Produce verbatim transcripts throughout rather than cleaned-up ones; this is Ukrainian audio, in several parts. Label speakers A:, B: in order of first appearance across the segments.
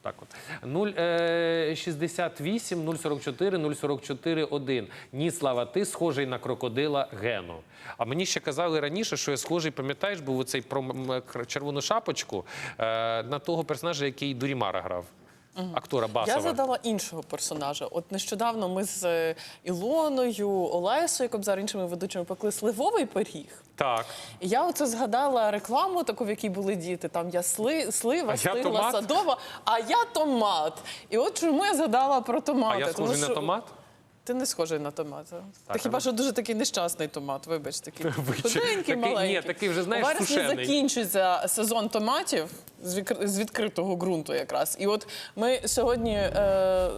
A: Так от. нуль шістдесят вісім нуль сорок чотири нуль сорок чотири один. Ні, Слава, ти схожий на крокодила Гену. А мені ще казали раніше, що я схожий, пам'ятаєш, був оцей про червону шапочку на того персонажа, який Дурімара грав. Актора Басова.
B: Я задала іншого персонажа. От нещодавно ми з Ілоною, Олесою Кобзар, іншими ведучими пекли сливовий пиріг.
A: Так.
B: І я оце згадала рекламу таку, в якій були діти. Там я сли, слива,
A: А
B: стигла,
A: томат?
B: садова, а я томат. І от чому я згадала про томати.
A: А я схожий
B: Тому
A: на
B: що...
A: томат?
B: Ти не схожий на томат.
A: Так,
B: Ти хіба
A: а...
B: що дуже такий нещасний томат, вибач, такий худенький,
A: такий,
B: маленький.
A: Ні, такий вже, знаєш,
B: У вересні
A: сушений.
B: закінчується сезон томатів з, відкр... з відкритого ґрунту якраз. І от ми сьогодні е...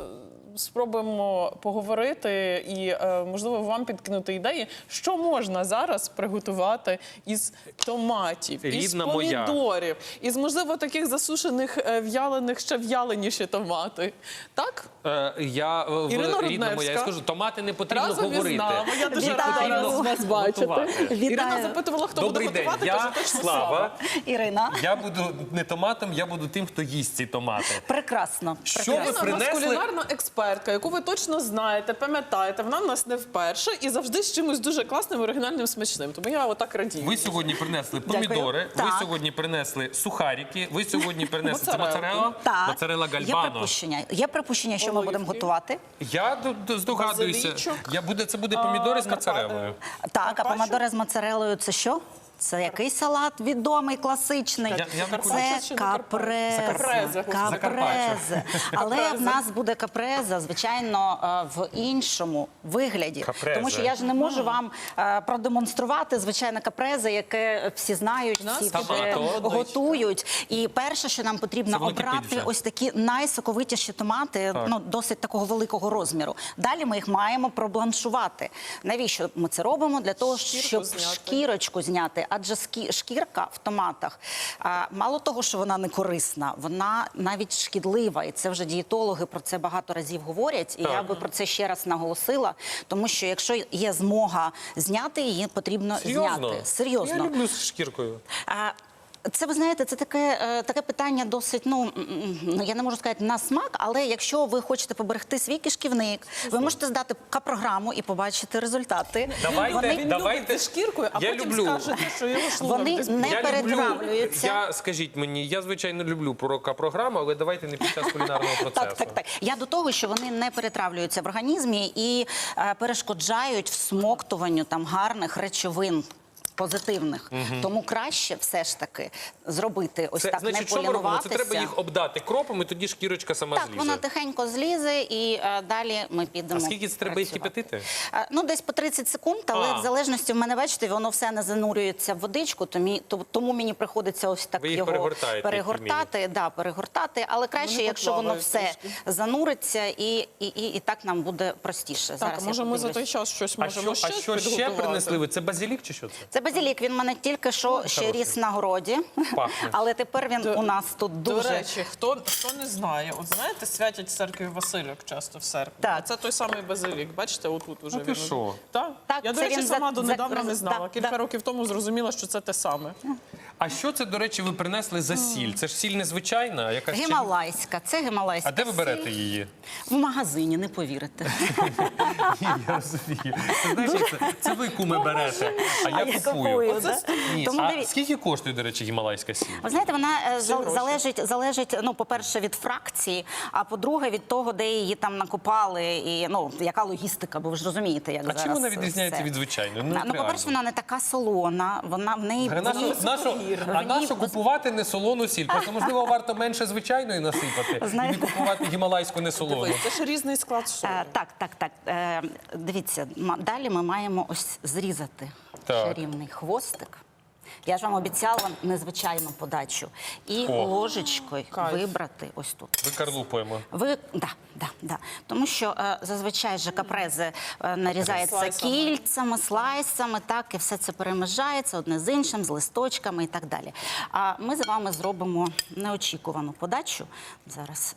B: спробуємо поговорити і, е... можливо, вам підкинути ідеї, що можна зараз приготувати із томатів,
A: Рідна
B: із
A: моя.
B: помідорів, із, можливо, таких засушених, е... в'ялених, ще в'яленіші томати. Так?
A: Е, я, в,
B: Ірина
A: рідна моя, я
B: Рудневська.
A: скажу, томати не потрібно
B: Разом
A: говорити.
B: із нами. Я дуже
C: Вітаю.
B: рада
C: Потрібно
B: вас бачити.
A: готувати.
B: Ірина запитувала, хто
A: Добрий
B: буде
A: день,
B: готувати,
A: я
B: каже, точно
A: Слава.
C: Ірина.
A: Я буду не томатом, я буду тим, хто їсть ці томати.
C: Прекрасно.
A: Що ви
B: Ірина у нас
A: принесли?
B: кулінарна експертка, яку ви точно знаєте, пам'ятаєте. Вона в нас не вперше і завжди з чимось дуже класним, оригінальним, смачним. Тому я отак радію.
A: Ви сьогодні принесли
C: Дякую.
A: помідори, ви
C: Так.
A: сьогодні принесли сухарики, ви сьогодні принесли це
B: Моцарелку.
A: моцарелла,
C: Так.
A: моцарелла
C: Є
A: гальбано.
C: припущення, є припущення, що ми
B: Оливки.
C: будемо готувати.
A: Я д- д- здогадуюся,
B: Базилічок.
A: я буде, це буде помідори з
B: Карпа-
A: моцареллою.
C: Так, а
B: Карпаччо?
C: помідори з моцарелою – це що? Це який салат відомий, класичний?
A: Я- я не
B: Карпаччо
C: Це
B: чи не Карпаччо?
C: капреза.
B: Закарпаття.
C: Капрезе. Але
B: Капрезе.
C: в нас буде капреза, звичайно, е, в іншому вигляді.
A: Капрезе.
C: Тому що я ж не можу вам е, продемонструвати звичайне капрезе, яке всі знають,
B: нас
C: всі
A: є
C: вже
A: одничка.
C: готують. І перше, що нам
A: Це
C: потрібно
A: воно кипить
C: обрати,
A: вже.
C: ось такі найсоковитіші томати, ну, досить такого великого розміру. Далі ми їх маємо пробланшувати. Навіщо ми це робимо? Для того,
B: Шкірку
C: щоб
B: зняти.
C: шкірочку зняти. Адже скі- шкірка в томатах, а, мало того, що вона не корисна, вона навіть шкідлива. І це вже дієтологи про це багато разів говорять. І
A: Так.
C: я би про це ще раз наголосила. Тому що якщо є змога зняти, її потрібно
A: Серйозно?
C: зняти. Серйозно.
A: Я люблю з шкіркою.
C: А, Це, ви знаєте, це таке, е, таке питання досить, ну, м, ну, я не можу сказати на смак, але якщо ви хочете поберегти свій кишківник, ви можете здати К-програму і побачити результати.
A: Давайте,
C: Вони,
B: Він
A: давайте.
B: любить зі шкіркою, а
A: Я
B: потім
A: люблю.
B: скажете, що його шлунок
C: Вони
B: десь
C: не
A: Я
C: перетравлюються.
A: люблю, я, скажіть мені, я, звичайно, люблю програму, але давайте не під час кулінарного процесу.
C: Так, так, так. Я до того, що вони не перетравлюються в організмі і е, перешкоджають всмоктуванню там гарних речовин. Позитивних. Тому краще все ж таки зробити ось
A: Це,
C: так,
A: значить,
C: не
A: що ми робимо? Це
C: полінуватися.
A: треба їх обдати кропом, і тоді шкірочка сама
C: Так,
A: злізе.
C: вона тихенько злізе, і е, далі ми підемо.
A: А скільки це треба їх
C: працювати.
A: кипятити?
C: Е, ну, десь по тридцять секунд, але
A: А.
C: в залежності в мене, бачите, воно все не занурюється в водичку, тому, то- тому мені приходиться ось так
A: Ви їх
C: його
A: перегортаєте,
C: перегортати, да, перегортати, але краще,
B: Вони
C: якщо воно
B: поплавають
C: все
B: трішки.
C: зануриться, і, і, і, і так нам буде простіше.
B: Так,
C: Зараз
B: а
C: я
B: може ми за
C: подивлюсь.
B: той час щось
A: А
B: можемо
A: що,
B: ще
A: а що ще
B: підготувати?
A: принесли ви? Це базилік чи що це?
C: Це базилік, він в мене тільки що ще
A: хороший.
C: ріс на городі,
A: Пахне.
C: але тепер він
B: До-
C: у нас тут
B: До
C: дуже...
B: речі, хто, хто не знає, от знаєте, святять в церкві Васильок часто в серпні.
C: Так.
B: А це той самий базилік. Бачите, отут уже
A: А ти
B: він.
A: що?
B: Так?
C: Так,
B: Я, до
C: це
B: речі,
C: він
B: сама
C: за-
B: донедавна
C: за-
B: не знала.
C: да,
B: Кілька
C: да.
B: років тому зрозуміла, що це те саме.
A: А що це, до речі, ви принесли за сіль? Це ж сіль незвичайна, а якась ще-
C: Гімалайська, це гімалайська
A: А де ви берете
C: сіль.
A: її?
C: В магазині, не повірите.
A: Ні, я розумію. Це, знаєш, як це, це ви, куми, берете, а я
C: А я
A: купую.
C: купую,
A: Оце
C: да.
A: ні.
C: Тому
A: А
C: диві-
A: скільки коштує, до речі, гімалайська сіль?
C: Ви знаєте, вона е, зал-
B: гроші.
C: залежить, залежить, ну, по-перше, від фракції, а по-друге, від того, де її там накопали, і, ну, яка логістика, бо ви ж розумієте, як
A: А
C: зараз
A: чим вона відрізняється
C: все.
A: від звичайної? Ну,
C: Ну,
A: реально.
C: по-перше, вона не така солона, вона в неї...
A: А нашу, нашу, а
C: в ній
A: нашу
C: без-
A: купувати не солону сіль? Просто, можливо, варто менше звичайної насипати
C: Знаєте-
A: і не купувати гімалайську не солону.
B: Дивись, це ж різний склад солі.
C: Е, так, так, так. Е, дивіться, ма- далі ми маємо ось зрізати
A: Так.
C: чарівний хвостик. Я ж вам обіцяла незвичайну подачу. І
A: О.
C: ложечкою
B: Кайф.
C: вибрати ось тут.
A: Викарлупуємо.
C: Ви да, да, да. Тому що е, зазвичай же капрезе е, нарізається
B: Слайсами.
C: кільцями, слайсами, так, і все це перемежається одне з іншим, з листочками і так далі. А ми з вами зробимо неочікувану подачу. Зараз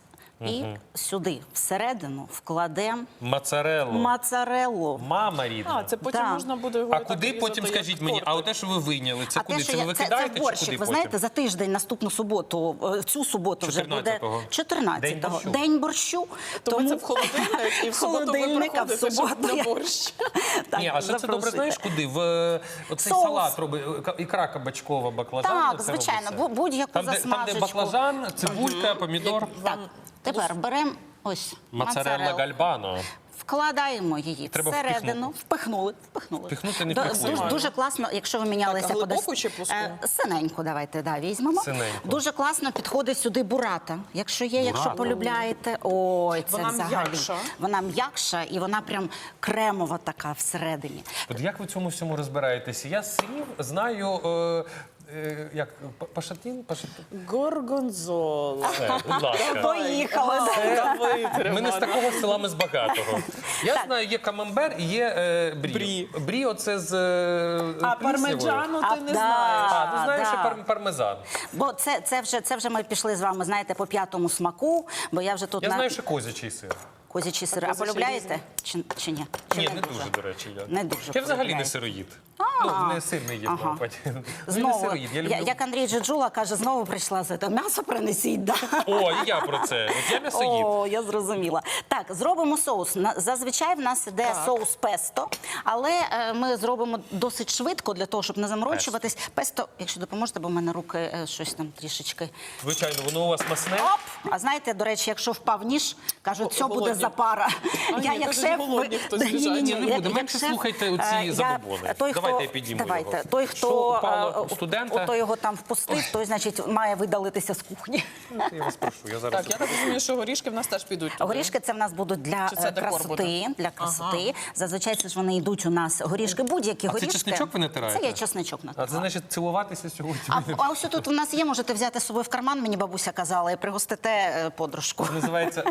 C: І сюди, всередину, вкладемо
A: Моцареллу.
C: моцареллу.
A: Мама рідна.
B: А, це потім
C: Да.
B: можна буде його
A: А
B: так
A: куди
B: різати,
A: потім,
B: як
A: скажіть мені, а
B: тортик.
A: те, що ви вийняли, це
C: А
A: куди?
C: те,
A: Це
C: що
A: ви
C: я- це, це
A: викидаєте чи
C: борщик.
A: куди
C: Ви
A: потім?
C: знаєте, за тиждень, наступну суботу, е, цю суботу вже буде
A: чотирнадцятого.
C: чотирнадцятого.
A: День борщу.
C: День борщу.
B: То ви це в холодильник, і в суботу ви
C: холодильник, а в
B: приходите, щоб
C: суботу
B: на
C: я-
B: борщ.
C: Так,
A: Ні, а ще це добре
C: запрошуйте.
A: знаєш куди? В е, оцей
C: Соус.
A: салат робить, е, ка- ікра кабачкова, баклажан.
C: Так,
A: оце
C: звичайно,
A: робиться.
C: бу- будь-яку
A: там, де, там, де
C: засмажечку.
A: баклажан, цибулька, помідор.
C: Так, тепер беремо ось
A: Моцарелла
C: моцареллу.
A: гальбано.
C: Вкладаємо її
A: Треба
C: всередину, впихнули, впихнули.
A: Впихнути не
C: До-
A: впихнули.
C: Дуже, дуже класно, якщо ви мінялися
B: Так, а глибоку
C: подос-
B: чи плоску?
C: Е, синеньку давайте, да, візьмемо.
A: Синеньку.
C: Дуже класно підходить сюди бурата. Якщо є, якщо
A: Бурата?
C: полюбляєте. Ой, це
B: Вона
C: взагалі.
B: м'якша.
C: Вона м'якша і вона прям кремова така всередині.
A: От як ви в цьому всьому розбираєтеся? Я з сирів знаю, е, е, як, па- пашатін? Пашатін?
B: Горгонзола.
A: Все, будь ласка.
C: Поїхали.
B: Давайте,
A: Ми не з
B: Романе.
A: такого села, ми з багатого. Я знаю, є камамбер і є е, брі.
B: Брі.
A: Брі оце з е,
B: А
A: пліснявою.
B: пармеджану
C: А,
B: ти не
C: да.
B: знаєш.
A: А, ну знаєш,
C: да.
A: ще пар- пармезан.
C: Бо це, це, вже, це вже ми пішли з вами, знаєте, по п'ятому смаку, бо я вже тут
A: Я
C: на
A: знаю, що козячий сир.
C: козячий сир. А
B: козячий
C: полюбляєте? Чи, чи ні? Чи
A: Ні, не дуже, до речі. Я,
C: Не дуже
A: я взагалі не
C: полюбляєте.
A: сироїд. Ну, не сильний їм.
C: Ага.
A: Ну, і не
C: Знову,
A: сироїд. Я
C: я,
A: люблю...
C: як Андрій Джеджула каже, знову прийшла за це. М'ясо принесіть, да?
A: О, і я про це. От я м'ясоїд.
C: О, я зрозуміла. Так, зробимо соус. На- Зазвичай в нас іде
B: Так.
C: соус песто, але е, ми зробимо досить швидко для того, щоб не заморочуватись. Песто, якщо допоможете, бо в мене руки е, щось там трішечки.
A: Звичайно, воно у вас масне.
C: Оп! А знаєте, до речі, якщо впав ніж, кажуть, це буде
B: Голодні.
C: запара.
B: А, ні, кажуть, голодні хтось
C: Ні,
B: біжать.
C: ні,
A: Ні, не
C: як-
A: буде.
C: як
A: Менше
C: шеф,
A: слухайте оці
C: е, я-
A: забобони.
C: той,
A: Давайте
C: хто-
A: я підніму
C: давайте.
A: його.
C: Той,
A: Що
C: хто
A: впало
C: е,
A: у студента?
C: хто його там впустив, той, значить, має видалитися з кухні.
A: Я вас прошу, я зараз.
B: Так, я так розумію, що горішки в нас теж підуть туди.
C: Горішки це в нас будуть для
B: Чи це
C: е,
B: декор
C: красоти.
B: буде?
C: Для красоти. Зазвичай це ж вони йдуть у нас горішки, будь-які
A: А це
C: горішки.
A: чесничок ви натираєте?
C: Це я чесничок
A: А
C: натираю.
A: це значить цілуватися сьогодні.
C: А, а ось тут у нас є, можете взяти з собою в карман, мені бабуся казала, і пригостите е, подружку.
A: Називається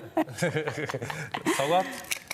A: салат.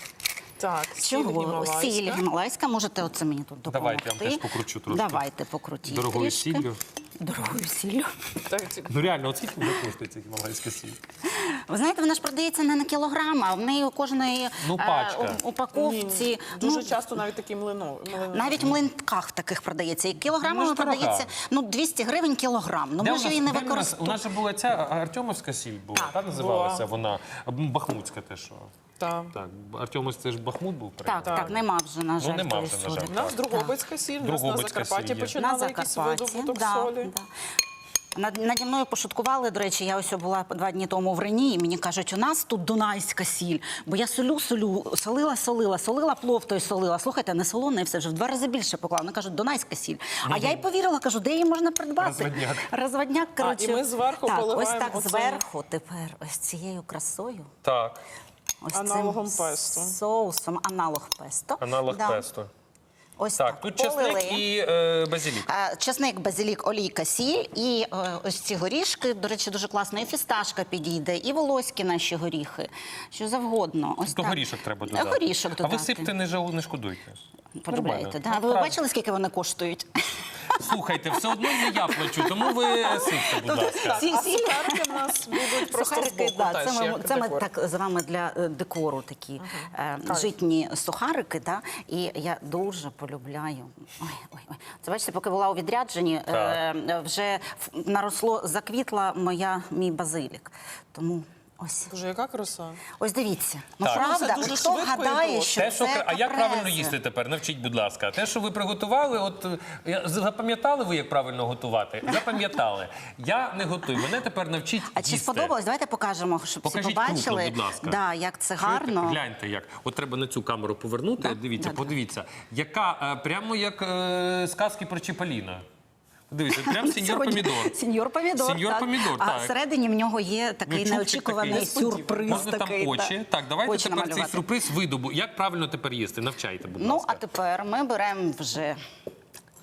B: Так, сіль
C: Чого?
B: гімалайська.
C: Сіль гімалайська, можете оце мені тут допомогти.
A: Давайте, я вам теж покручу трошки.
C: Давайте, покрутіть
A: Дорогою
C: трішки.
A: сіллю.
C: Дорогою сіллю.
B: Так, ці-
A: Ну реально, от скільки буде коштує ця гімалайська сіль?
C: Ви знаєте, вона ж продається не на кілограм, а в неї у кожної
A: Ну,
C: е,
A: пачка.
C: у- упаковці.
B: Дуже
C: ну,
B: часто навіть такі млино. млино.
C: навіть в млинках таких продається. І
A: Ну,
C: кілограмами
A: ж дорога.
C: продається ну, двісті гривень кілограм. Ну
A: Де
C: ми
A: у
C: ж
A: нас-
C: її не
A: де у нас- У
C: використовуємо.
A: нас же була ця Артемовська сіль була, та називалася вона. Бахмутська те, що.
B: Так.
A: Так, Артемовськ це ж Бахмут був
C: Так,
A: прямо.
C: так, нема вже, на жаль,
A: нема
C: тої
A: вже, на
C: солі.
A: жаль.
B: У нас Дрогобицька сіль, у нас на
A: Дрогобицька
B: Закарпатті
A: сіль є.
B: починали
C: На
B: якийсь
C: Закарпатті,
B: видобуток
C: да,
B: солі.
C: да. Над, наді мною пошуткували, до речі, я ось була два дні тому в Рені, і мені кажуть, у нас тут дунайська сіль. Бо я солю, солю, солила, солила, солила плов той солила. Слухайте, не солоне, все вже в два рази більше поклала. Вони кажуть, дунайська сіль. А я й повірила, кажу, де її можна придбати?
A: Розводняк.
C: Розводняк, коротше.
B: і ми зверху
C: так,
B: поливаємо
C: ось так
B: оцим.
C: зверху тепер, ось цією красою.
A: Так,
C: Ось
B: Аналогом
C: цим
B: песто.
C: соусом, аналог песто.
A: аналог
C: Да.
A: песто.
C: Ось
A: Так, тут чесник
C: полили.
A: і е, базилік.
C: Е, Чесник, базилік, олійка, сіль і е, ось ці горішки. До речі, дуже класно. І фісташка підійде, і волоські наші горіхи. Що завгодно. Ось
A: То
C: так.
A: горішок треба додати.
C: Горішок
A: А
C: додати.
A: ви сипте, не, жал- не шкодуйте.
C: Полюбляєте,
A: Нормально.
C: да? Ви бачили, скільки вони коштують?
A: Слухайте, все одно не я плачу, тому ви сипте, будь ласка.
C: Ці
B: А
C: сіль-
B: сухарики в нас будуть просто
C: Сухарики,
B: збоку.
C: да,
B: теж,
C: це ми,
B: як
C: це ми
B: декор.
C: так з вами для е, декору такі е, житні сухарики. Да? І я дуже полюбляю. Ой, ой, ой. Це бачите, поки була у відрядженні, е, е, вже ф- наросло, заквітла моя, мій базилік. Тому ось.
B: Боже, яка краса.
C: Ось дивіться. Ну
A: Так.
C: правда,
B: Це дуже
C: хто
B: швидко і
C: гадає,
B: просто.
C: що
A: Те, що,
C: це
A: а як правильно
C: капрези?
A: їсти тепер? Навчіть, будь ласка. Те, що ви приготували, от е, я- запам'ятали ви, як правильно готувати? Запам'ятали. Я не готую. Мене тепер навчіть
C: А чи
A: їсти.
C: сподобалось? Давайте покажемо, щоб
A: Покажіть
C: всі побачили,
A: круто, будь ласка.
C: да, як це
A: Чуєте?
C: гарно.
A: Гляньте, як. От треба на цю камеру повернути.
C: Да,
A: Дивіться,
C: да, да.
A: подивіться. Яка, е, прямо як е, сказки про Чіполіна. Дивіться, прям сеньор
C: Сьогодні
A: помідор.
C: Сеньор помідор.
A: Сеньор
C: так.
A: помідор,
C: А
A: так.
C: всередині в нього є такий
A: Ключовчик
C: неочікуваний
A: такий.
C: сюрприз.
A: Можна
C: такий,
A: там очі.
C: так.
A: Так, давайте
C: Очі
A: тепер
C: намалювати.
A: цей сюрприз видобу. Як правильно тепер їсти? Навчайте, будь
C: Ну,
A: ласка.
C: а тепер ми беремо вже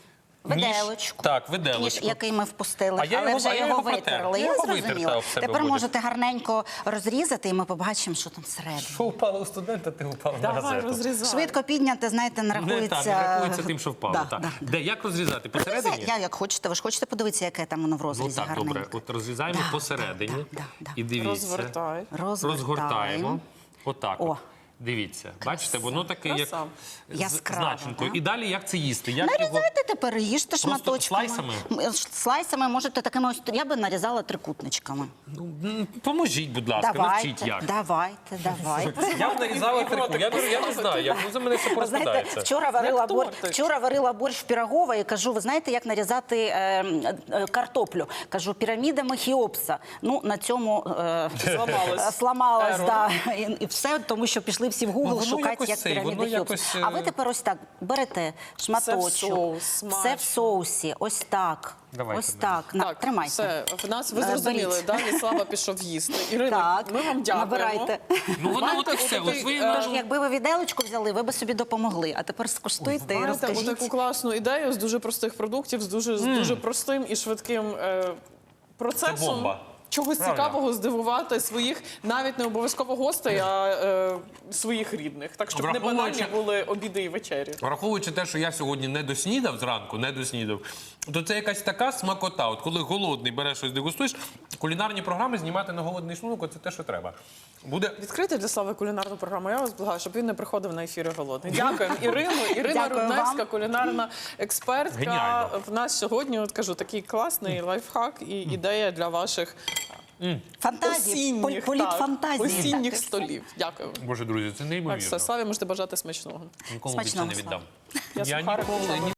C: Виделочку.
A: Так,
C: Ніж,
A: виделочку.
C: який ми впустили,
A: А я
C: але
A: його-
C: вже
A: а я
C: його
A: його протер.
C: витерли.
A: Я
C: Я
A: його витер,
C: зрозуміла.
A: та, в себе
C: Тепер
A: буде.
C: можете гарненько розрізати, і ми побачимо, що там всередині.
A: Що впало у студента, ти упав на
B: Давай
A: газету.
B: розрізай.
C: Швидко підняти, знаєте, не
A: Не
C: рахується.
A: так, не рахується тим, що впало.
C: Да,
A: так.
C: да, да.
A: Де, як розрізати? Посередині?
C: Я як хочете, ви ж хочете подивитися, яке там воно в
A: Ну
C: розрізі
A: так,
C: гарненьке.
A: добре. От розрізаємо
C: Да,
A: посередині.
C: да, да, да.
A: І дивіться.
B: Розвертай.
C: Розгортаємо.
A: Розгортаємо. Отак.
C: О.
A: От. Дивіться, бачите, воно таке як
B: Краса.
A: з
C: Яскраво,
A: значенкою.
C: да?
A: І далі як це їсти? Як його...
C: Нарізайте тепер, їжте шматочками.
A: слайсами?
C: М, Слайсами можете такими ось, я би нарізала трикутничками.
A: Ну, м, поможіть, будь ласка, навчіть
C: Давайте,
A: як.
C: давайте, давайте.
A: Я б нарізала трику, я, не- я не знаю, як ну, за мене все
C: Ви знаєте,
A: розпадається.
C: вчора варила,
B: Як
C: бор...
B: тортик.
C: вчора варила борщ Пірогова і кажу, ви знаєте, як нарізати е, е, картоплю? Кажу, пірамідами Хеопса. Ну, на цьому е,
B: Зламалась.
C: сламалась,
B: Ерор.
C: да. і, і все, тому що пішли всі в
A: Ну,
C: Google
A: воно
C: шукати,
A: якось
C: як
A: цей,
C: піраміди
A: воно
C: Хеопса.
A: якось, е,
C: А ви тепер ось так берете шматочок.
B: соус,
C: Все
B: смачно.
C: в соусі, ось так.
A: Давайте,
C: ось
A: Надя.
C: так. На,
B: Так,
C: тримайте.
B: все, в нас ви
C: Е,
B: зрозуміли,
C: беріть.
B: далі Слава пішов їсти. Ірина,
C: Так,
B: ми вам дякуємо.
C: набирайте.
A: Ну воно
B: Маєте
A: от і все.
B: отакий,
A: От ви,
B: е,
C: Тож, якби ви віделочку взяли, ви б собі допомогли. А тепер скуштуйте і
B: Маєте
C: розкажіть.
B: таку класну ідею з дуже простих продуктів, з дуже, з дуже простим і швидким е, процесом.
A: Це бомба.
B: Чогось
A: Правильно.
B: цікавого здивувати своїх, навіть не обов'язково гостей, а е, своїх рідних. Так, щоб не
A: Враховуючи-
B: банальні були обіди і вечері.
A: Враховуючи те, що я сьогодні не доснідав зранку, не доснідав, то це якась така смакота. От коли голодний береш щось дегустуєш, кулінарні програми знімати на голодний шлунок – це те, що треба. Буде
B: Відкрити для Слави кулінарну програму. Я вас благаю, щоб він не приходив на ефіри голодний. Дякуємо, Ірину. Ірина
C: Дякую
B: Рудневська,
C: вам.
B: кулінарна експертка.
A: Геніально.
B: В нас сьогодні, от кажу, такий класний лайфхак і ідея для ваших
C: Фантазії, поль-
B: осінніх,
C: політ
B: так,
C: фантазії.
B: осінніх
C: Так,
B: столів. Дякую.
A: Боже, друзі, це
B: Так,
A: неймовірно.
B: все, Славі можете бажати смачного.
A: Нікому більше
C: Смачного,
A: не віддам.
B: Я
A: Я
B: сухарик
A: ніколи,
B: почала.